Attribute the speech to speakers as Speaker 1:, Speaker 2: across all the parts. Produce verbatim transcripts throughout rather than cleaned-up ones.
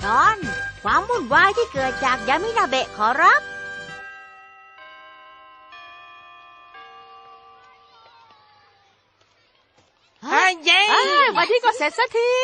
Speaker 1: อนความวุ่นวายที่เกิดจากยามินาเบะขอรับ
Speaker 2: เฮ้ยเย้วันที่ก็เสร็จสักที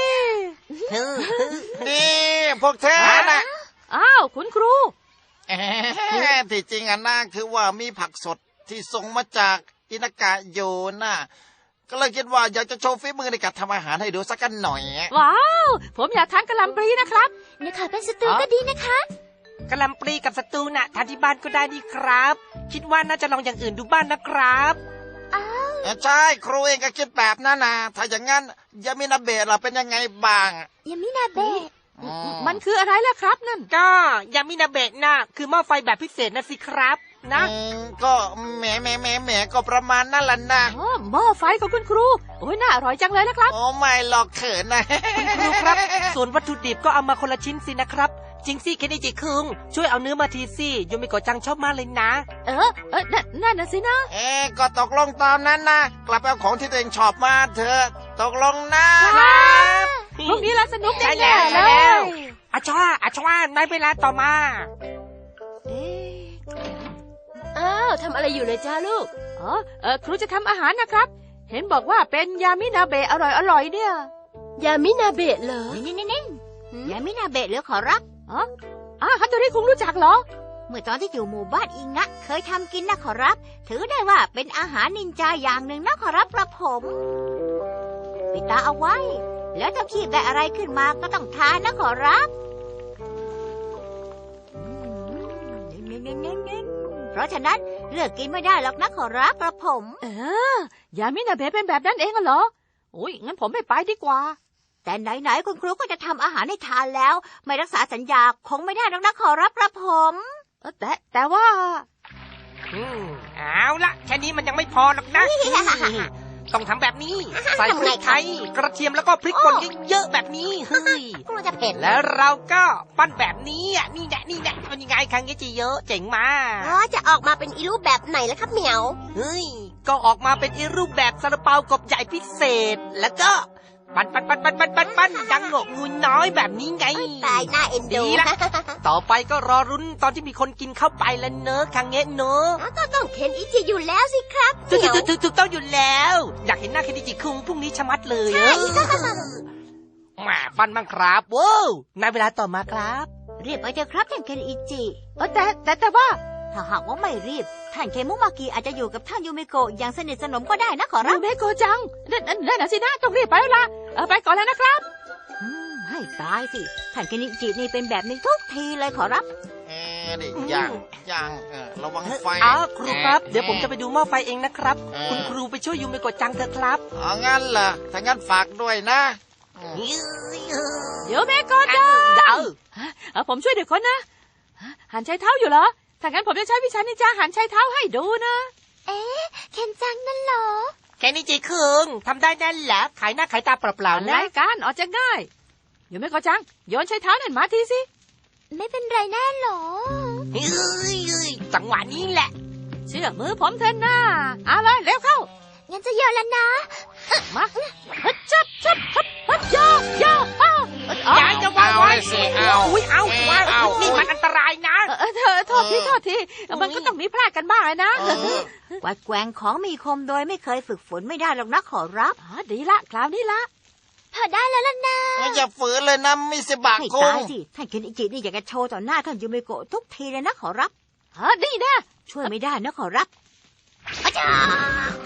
Speaker 3: นี่พวกเธอนะ
Speaker 2: อ้าวคุณครู
Speaker 3: ที่จริงอ่ะนะคือว่ามีผักสดที่ส่งมาจากอินากะโยน่ะก็เลยคิดว่าอยากจะโชว์ฝีมือในการทำอาหารให้ดูสักกันหน่อย
Speaker 2: ว้าวผมอยากทานกะหล่ำปลีนะครับ
Speaker 1: เนี่ยค่ะเป็นสตูก็ดีนะคะ
Speaker 4: กะหล่ำปลีกับสตูน่ะทานที่บ้านก็ได้ดีครับคิดว่าน่าจะลองอย่างอื่นดูบ้านนะครับ
Speaker 3: ใช่ครูเองก็คิดแบบนั้นนะถ้าอย่างงั้นยามินาเบะล่ะเป็นยังไงบ้าง
Speaker 1: ยามินาเบะ
Speaker 2: มันคืออะไรล่ะครับนั่น
Speaker 4: ก็ยามินาเบะน่ะคือหม้อไฟแบบพิเศษนะสิครับนะ
Speaker 3: ก็แหมแหมแหมแหมก็ประมาณนั่นแหละนะ
Speaker 2: หม้อไฟของคุณครูโอ้ยน่าอร่อยจังเลยนะครับ
Speaker 3: โอ้ไม่หรอกเขินนะ
Speaker 4: คุณครูครับส่วนวัตถุดิบก็เอามาคนละชิ้นสินะครับจริงสิเคนอิจิคุงช่วยเอาเนื้อมาทีสิโยมิโกะจังชอบมากเลยนะ
Speaker 2: เออเออนั่นน่ะสินะ
Speaker 3: เอ๊ก็ตกลงตามนั้นนะกลับไปเอาของที่ตัวเองชอบมาเถอะตกลงนะครับ
Speaker 2: พรุ่งนี้เราสนุกแน่ๆเลย
Speaker 4: อาชวาอาชวาในเวลาต่อมา
Speaker 2: อ้าวทำอะไรอยู่เลยจ้าลูกอ๋อเออครูจะทำอาหารนะครับเห็นบอกว่าเป็นยามินาเบะอร่อยๆเนี่ย
Speaker 1: ยามินาเบะเหรอนี่ๆๆยามินาเบะเหรอขอรับ
Speaker 2: อ๋ออ่าฮัตโตริคุงรู้จักเหรอ
Speaker 1: เมื่อตอนที่อยู่หมู่บ้านอิงะเคยทำกินนะขอรับถือได้ว่าเป็นอาหารนินจาอย่างหนึ่งนะขอรับกระผมปิดตาเอาไว้แล้วถ้าคีบได้อะไรขึ้นมาก็ต้องทานนะขอรับเพราะฉะนั้นเลือกกินไม่ได้หรอกนะขอรับกระผม
Speaker 2: เออยามินาเบะเป็นแบบนั้นเองเหรอโอ้ยงั้นผมไม่ไปดีกว่า
Speaker 1: แต่ไหนๆคุณครูก็จะทำอาหารให้ทานแล้วไม่รักษาสัญญาคงไม่ได้หรอกนะขอรับกระผม
Speaker 2: แต่แต่ว่า
Speaker 4: อืมเอาละแค่นี้มันยังไม่พอหรอกนะต้องทำแบบนี้ใส่พริกไทยกระเทียมแล้วก็พริกป่นเยอะๆแบบนี้เฮ้ย
Speaker 1: กลัวจะเผ็ด
Speaker 4: แล้วเราก็ปั้นแบบนี้อ่ะนี่แหละนี่แหละเป็นยังไงคังเงจิเยอะเจ๋งมาก
Speaker 1: อ๋อจะออกมาเป็นอีรูปแบบไหนล่ะครับเหมียว
Speaker 4: เฮ้ยก็ออกมาเป็นอีรูปแบบซาลาเปากบใหญ่พิเศษแล้วก็ปั้นปั้นปั้นปั้นปั้นปั้นปั้นดังงกงูน้อยแบบนี้ไง
Speaker 1: ตายน่าเอ็นดู
Speaker 4: ละต่อไปก็รอรุ้นตอนที่มีคนกินเข้าไปแล้วเนอะคังเงะเนอะ
Speaker 1: ก็ต้องเคนอิจิอยู่แล้วสิครับ
Speaker 4: ถูกถูกถูกถูกต้องอยู่แล้วอยากเห็นหน้าเคนอิจิคุงพรุ่งนี้ชะมัดเลยใช่แหมปั้นบ้างครับว้าวในเวลาต่อมาครับ
Speaker 1: รีบไปเถอะครับท่านเคนอิจิ
Speaker 2: เออแต่แต่แต่ว่า
Speaker 1: ถ้าหากว่าไม่รีบท่านเคมุมากิอาจจะอยู่กับท่านยูเมโกะอย่างสนิทสนมก็ได้นะขอรับ
Speaker 2: ยูเมโกะจังนั่นนั่นนะสินะต้องรีบไปแล้วล่ะเออไปก่อนแล้วนะครับ
Speaker 1: ให้ตายสิท่านเคนอิจินี่เป็นแบบนี้ทุกทีเลยขอรับ
Speaker 3: เอ๊ะดิยังยังเออระวังไฟ
Speaker 4: อ๋อครูครับเดี๋ยวผมจะไปดูหม้อไฟเองนะครับคุณครูไปช่วยยูเมโกะจังเถอะครับ
Speaker 3: อ๋องั้นเหรอถ้างั้นฝากด้วยนะ
Speaker 2: ยูเมโกะจังเดี๋ยวเออผมช่วยเด็กคนนะหันใช้เท้าอยู่เหรอถ้างั้นผมจะใช้วิชานินจาหันใช้เท้าให้ดูนะ
Speaker 1: เอ๊ะเคนจังนั่นเหรอ
Speaker 4: แค่นี้จีคึงทำได้แน่แหละขายหน้าขายตาเปล่าๆนะ
Speaker 2: รายการออกจะง่ายอยู่ไม่ก็จังโยนใช้เท้านั่นมาทีสิ
Speaker 1: ไม่เป็นไรแน่หรอ
Speaker 4: เฮ้ยจังหวะนี้แหละ
Speaker 2: เชื่อมือผมเถอะนะเอาเลยเร็วเข้า
Speaker 1: งั้นจะโยนแล้วนะ
Speaker 2: มาฮึดจับจับฮึดฮึดโยโย
Speaker 4: อย่าจะวางไว้สิเอาอุ้ยเอาวางนี่มันอันตรายนะ
Speaker 2: เออเธอโทษทีโทษทีมันก็ต้องมีพลาดกันบ้างนะ
Speaker 1: วัดแกว่งของมีคมโดยไม่เคยฝึกฝนไม่ได้หรอกนะขอรับ
Speaker 2: อ๋อดีละคราวนี้ละ
Speaker 1: พอได้แล้วล่ะนะ
Speaker 3: อย่าฝืนเลยนะมิสบะคุง
Speaker 1: ให้ตายสิท่านเคนอิจินี่อยากจะโชว์ต่อหน้าท่านยูเมโกะทุกทีเลยนะขอรับ
Speaker 2: อ๋อดีนะ
Speaker 1: ช่วยไม่ได้นะขอรับอาจารย์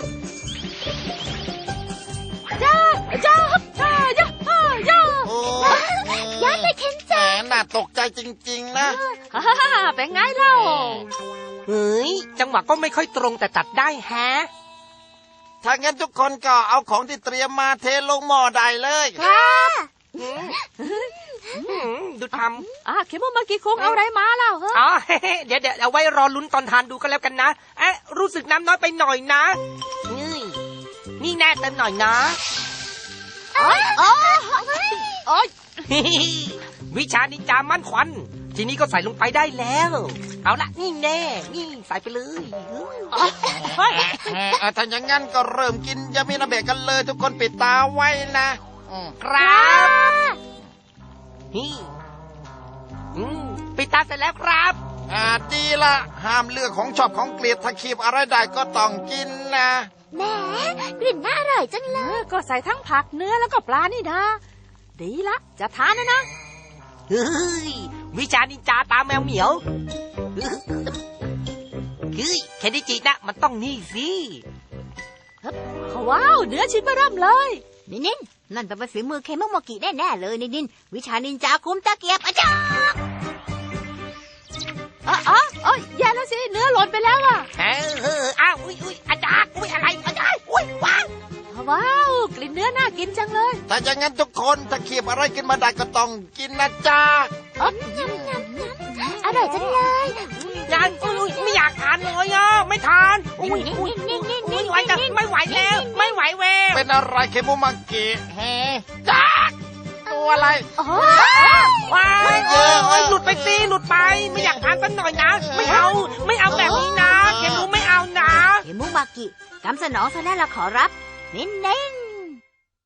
Speaker 2: จ้าจ้าจ้าจ้าจ้า
Speaker 1: ย้ายไปเคนจัง
Speaker 3: น่าตกใจจริงๆนะ
Speaker 2: เป็นไงเล่า
Speaker 4: เฮ้ยจังหวะก็ไม่ค่อยตรงแต่ตัดได้แฮะ
Speaker 3: ถ้างั้นทุกคนก็เอาของที่เตรียมมาเทลงหม้อได้เลย
Speaker 2: ครับ
Speaker 4: ดูทำ
Speaker 2: อ่ะเคมุมากิคุงเอาอะไรมาเล่า
Speaker 4: อ๋อเดี๋ยวเดี๋ยวเอาไว้รอลุ้นตอนทานดูกันแล้วกันนะเอ๊ะรู้สึกน้ำน้อยไปหน่อยนะนี่นี่แน่เติมหน่อยนะ
Speaker 2: โอ๊ยโอ๊ยโอ๊ย
Speaker 4: วิชานินจามั่นควันทีนี้ก็ใส่ลงไปได้แล้วเอาละนี่แน่นี่ใส่ไปเลย
Speaker 3: ถ้าอย่างงั้นก็เริ่มกินยามินาเบะกันเลยทุกคนปิดตาไว้นะ
Speaker 4: ครับนี่อืมปิดตาเสร็จแล้วครับ
Speaker 3: อ่าดีละห้ามเลือกของชอบของเกลียดถ้าคีบอะไรได้ก็ต้องกินนะ
Speaker 1: แหมกลิ่นน่าอร่อยจังเล
Speaker 2: เอย อก็ใส่ทั้งผักเนื้อแล้วก็ปลานี่นะ ดีละ จะทานนะนะ
Speaker 4: เฮ้ยวิชานินจาตาแมวเหมียวเฮ้ยแคนดิจินะมันต้องนี่สิ
Speaker 2: ว้าว เนื้อชิ้นเบอร์เริ่มเลย
Speaker 1: นินนินนั่นเป็นฝีมือเคมุโมกิแน่ๆเลยนินนินวิชานินจาคุมตะเกียบอาจารย์
Speaker 2: อ๋ออ๋ออ๋อแย่แล้วสิ เนื้อหล่นไปแล้วอ่ะ
Speaker 4: เออเอออ้าวอุ้ยอุ้ยอาจารย์อุ้ยอะไรอาจารย์อุ้ยว้าว
Speaker 2: ว้าว กลิ่นเนื้อน่ากินจังเลย
Speaker 3: แต่อย่างนั้นทุกคนถ้าคีบอะไรกินมาได้ก็ต้องกินนะจ๊ะ
Speaker 2: อ๋อ
Speaker 1: อร่อยจังเลย
Speaker 4: ยายอุ้ยอุ้ยไม่อยากทานเลยอ่ะไม่ทานอุ้ยอุ้ยอุ้ยไหวจะไม่ไหวแล้ว ไม่ไหวแวว
Speaker 3: เป็นอะไรเคมุมากิเฮจ๊ะตัวอะไร
Speaker 2: อ๋อ
Speaker 4: ว้ายเออเอ้ยหลุดไปสิหลุดไป ไม่อยากทานสักหน่อยนะ ไม่เอา ไม่เอาแบบนี้นะเกมูไม่เอานะ
Speaker 1: เคมุมากิกำสนองซะแล้วล่ะขอรับนินนิน